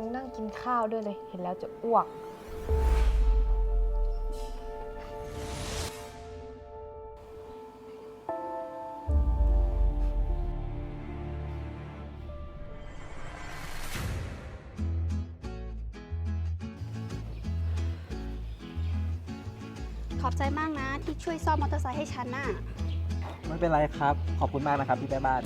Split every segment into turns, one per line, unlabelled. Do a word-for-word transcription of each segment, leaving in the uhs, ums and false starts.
นั่งกินข้าวด้วยเลย เห็นแล้วจะอ้วก
ขอบใจมากนะที่ช่วยซ่อมมอเตอร์ไซค์ให้ฉันน่ะ
ไม่เป็นไรครับ ขอบคุณมากนะครับพี่แม่บ้าน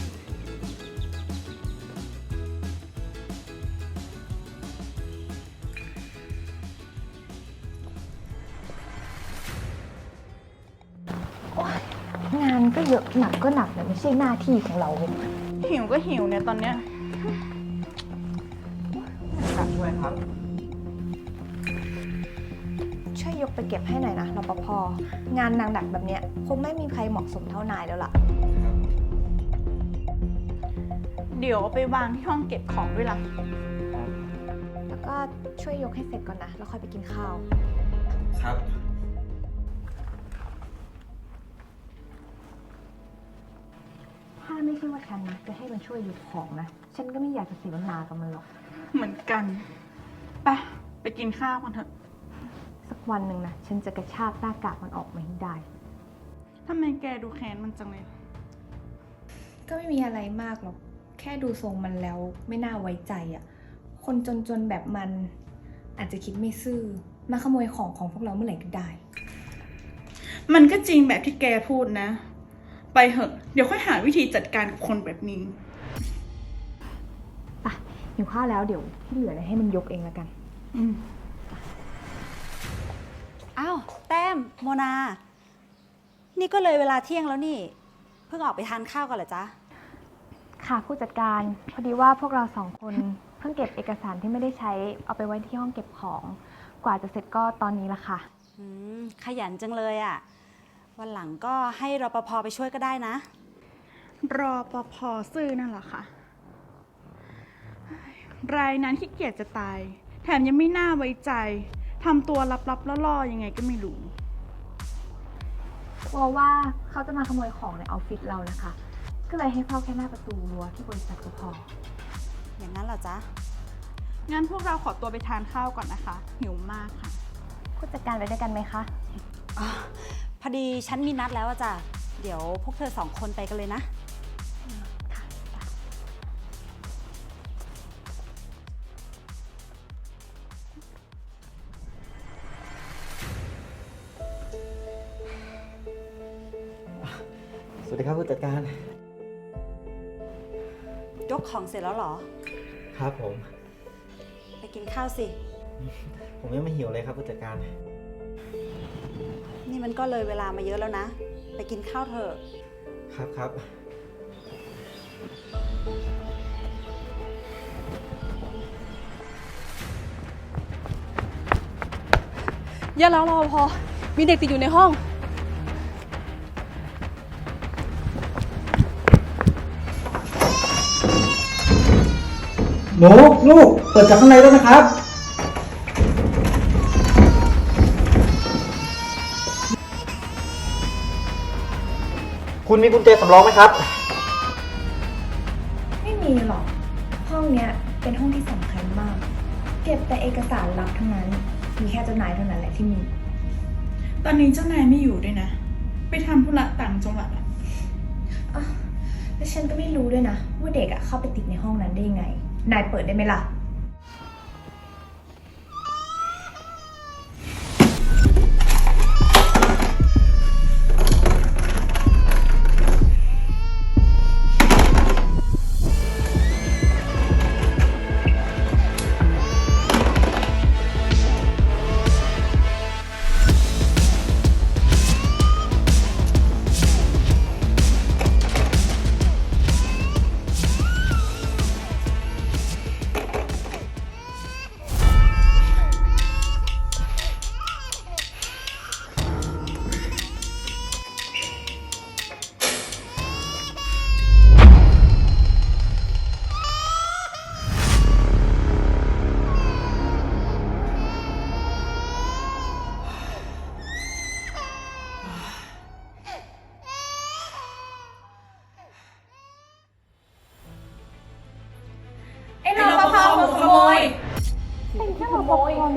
งานก็เยอะหนักก็หนักแต่ไม่ใช่หน้าที่ของเราเลย
หิวก็หิวเนี่ยตอนเนี้ย
ช่วยครับ
ช่วยยกไปเก็บให้หน่อยนะรปภงานหนักๆแบบเนี้ยคงไม่มีใครเหมาะสมเท่านายแล้วล่ะ
เดี๋ยวเอาไปวางที่ห้องเก็บของด้วยล่ะ
แล้วก็ช่วยยกให้เสร็จก่อนนะ แล้วค่อยไปกินข้าว
ครับ
ถ้าไม่ใช่ว่าฉันนะจะให้มันช่วยยกของนะ ฉันก็ไม่อยากจะเสียเวลากับมันหรอก
เหมือนกันไปไปกินข้าวกันเถอะ
สักวันหนึ่งนะ ฉันจะกระชากหน้ากากมันออกมาให้ได้
ทำไมแกดูแค้นมันจังเลย
ก็ไม่มีอะไรมากหรอก แค่ดูทรงมันแล้วไม่น่าไว้ใจอะ่ะ คนจนๆแบบมันอาจจะคิดไม่ซื่อ มาขโมยของของพวกเราเมื่อไหร่ก็ได้
มันก็จริงแบบที่แกพูดนะ ไปเหอะ เดี๋ยวค่อยหาวิธีจัดการกับคนแบบนี้
อ่ะหิวข้าวแล้วเดี๋ยวที่เหลือเนี่ยให้มันยกเองแล้วกัน
อืม
อ้าวแต้มโมนา นี่ก็เลยเวลาเที่ยงแล้วนี่ เพิ่งออกไปทานข้าวกันเหรอจ๊ะ
ค่ะผู้จัดการพอดีว่าพวกเราสองคนเพิ่งเก็บเอกสารที่ไม่ได้ใช้เอาไปไว้ที่ห้องเก็บของ กว่าจะเสร็จก็ตอนนี้ละค่ะ
อืม ขยันจังเลยอะ่ะ วันหลังก็ให้รปภไปช่วยก็ได้นะ
รอปภซื่อนั่นแหละค่ะ รายนั้นขี้เกียจจะตาย แถมยังไม่น่าไว้ใจทำตัวลับๆล่อๆยังไงก็ไม่รู้
กลัวว่าเขาจะมาขโมยของในออฟฟิศเรานะคะ ก็เลยให้เฝ้าแค่หน้าประตูรั้วที่บริษัทก็พอ
อย่างนั้นเหรอจ๊ะ
งั้นพวกเราขอตัวไปทานข้าวก่อนนะคะ หิวมากค่ะ
ผู้จัดการไปด้วยกันไหมคะ
อ๋อ พอดีฉันมีนัดแล้วอะจ้ะ เดี๋ยวพวกเธอสองคนไปกันเลยนะ
สวัสดีครับผู้จัดการ
ยกของเสร็จแล้วเหรอ
ครับผม
ไปกินข้าวสิ
ผมยังไม่หิวเลยครับผู้จัดการ
นี่มันก็เลยเวลามาเยอะแล้วนะ ไปกินข้าวเถอะ
ครับครับ
อย่าร้องรอพอ มีเด็กติดอยู่ในห้อง
หนูลูกเปิดจากข้างในแล้วนะครับ คุณมีกุญแจสำรองไหมครับ
ไม่มีหรอก ห้องเนี้ยเป็นห้องที่สำคัญมาก เก็บแต่เอกสารลับทั้งนั้น มีแค่เจ้านายเท่านั้นแหละที่มี
ตอนนี้เจ้านายไม่อยู่ด้วยนะ ไปทำธุระต่างจังหวัดอะ
อ่ะแล้วฉันก็ไม่รู้ด้วยนะ ว่าเด็กอะเข้าไปติดในห้องนั้นได้ยังไง นายเปิดได้ไหมล่ะ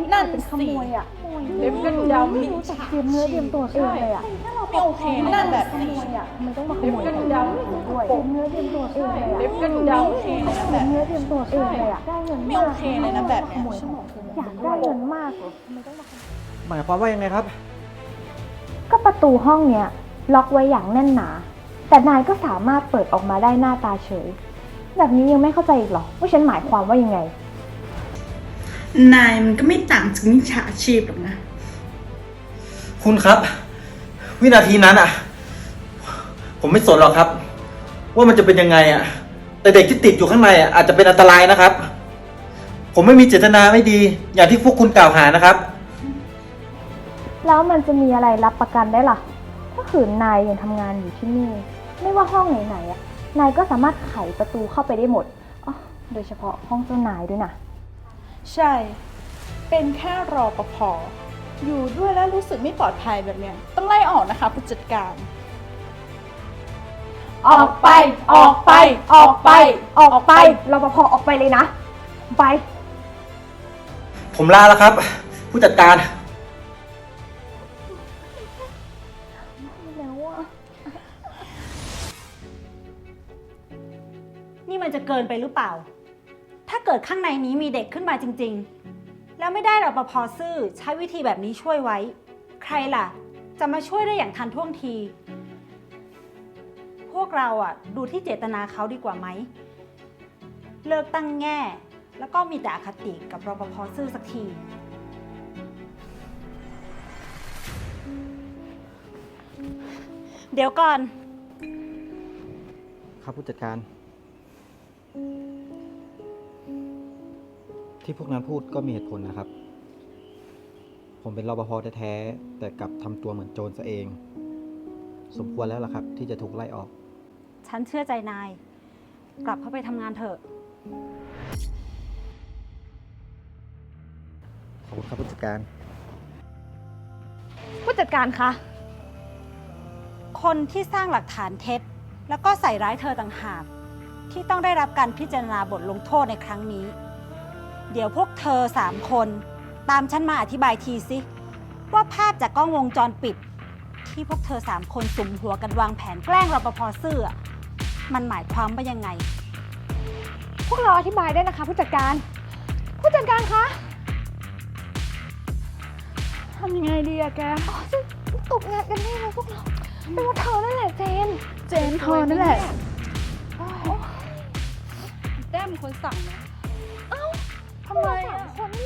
นั่น
เป็นข
สิ
โมยอ่ะ
เล็บก็ดำ
ไม่รู้จักเตรียมเนื้อเตรียมตัวเองเลยอ่ะ
ไม่โอเคนะนั่นแบบนี้
มันต้องมาขโมยของเราด้วยเตรียมเนื้อเตรียมตัวเองเลยอ่ะ
เล็บก็ดำโอเคนะ
เต
แบ
รีย
บ
มเนื้อเตรียมตัวเองเลยอ่ะได้เงิน
ไม่
มาก
โอเคเลยนะแบบเนี้ย
อยากได้เงินมากเหรอทำไมต้องมาขโมย
หมายความว่ายังไงครับ
ก็ประตูห้องเนี้ยล็อกไว้อย่างแน่นหนา แต่นายก็สามารถเปิดออกมาได้หน้าตาเฉย แบบนี้ยังไม่เข้าใจอีกเหรอว่าฉันหมายความว่ายังไง
นายมันก็ไม่ต่างจากมิจฉาชีพหรอกนะ
คุณครับ วินาทีนั้นอ่ะ ผมไม่สนหรอกครับ ว่ามันจะเป็นยังไงอ่ะ แต่เด็กที่ติดอยู่ข้างในอ่ะอาจจะเป็นอันตรายนะครับ ผมไม่มีเจตนาไม่ดี อย่างที่พวกคุณกล่าวหานะครับ
แล้วมันจะมีอะไรรับประกันได้ล่ะ ถ้าขืนนายยังทำงานอยู่ที่นี่ ไม่ว่าห้องไหนๆอ่ะ นายก็สามารถไขประตูเข้าไปได้หมดอ๋อโดยเฉพาะห้องเจ้านายด้วยนะ
ใช่ เป็นแค่รอปภอยู่ด้วยแล้วรู้สึกไม่ปลอดภัยแบบเนี้ยต้องไล่ออกนะคะผู้จัดการ
ออกไป ออกไป ออกไป ออกไปรปภออกไปเลยนะ ไป
ผมลาแล้วครับ ผู้จัดการ
แล้วอ่ะ
นี่มันจะเกินไปหรือเปล่า ถ้าเกิดข้างในนี้มีเด็กขึ้นมาจริงๆ แล้วไม่ได้รปภซื่อใช้วิธีแบบนี้ช่วยไว้ ใครล่ะ จะมาช่วยได้อย่างทันท่วงที พวกเราอ่ะดูที่เจตนาเขาดีกว่าไหม เลิกตั้งแง่ แล้วก็มีแต่อคติกับรปภซื่อสักที เดี๋ยวก่อน
ครับผู้จัดการ ที่พวกนั้นพูดก็มีเหตุผลนะครับ ผมเป็นรปภแท้ๆแต่กลับทำตัวเหมือนโจรซะเอง สมควรแล้วล่ะครับ ที่จะถูกไล่ออก
ฉันเชื่อใจนาย กลับเข้าไปทำงานเถอะ
ขอบคุณครับผู้จัดการ
ผู้จัดการคะ
คนที่สร้างหลักฐานเท็จ แล้วก็ใส่ร้ายเธอต่างหาก ที่ต้องได้รับการพิจารณาบทลงโทษในครั้งนี้ เดี๋ยวพวกเธอสามคนตามฉันมาอธิบายทีสิว่าภาพจากกล้องวงจรปิด ที่พวกเธอสามคนสุมหัวกันวางแผนแกล้งรปภซื่ออะมันหมายความว่ายังไง
พวกเราอธิบายได้นะคะ ผู้จัดการ ผู้จัดการคะทำยังไงดีอะแกอ๋อจะตกงานกันแน่เลยพวกเราเป็นว่าเธอนั่นแหละเจน
เจนเธอนั่นแหละ
แต้มเป็นคนสั่งนะ
ทำไมอะคน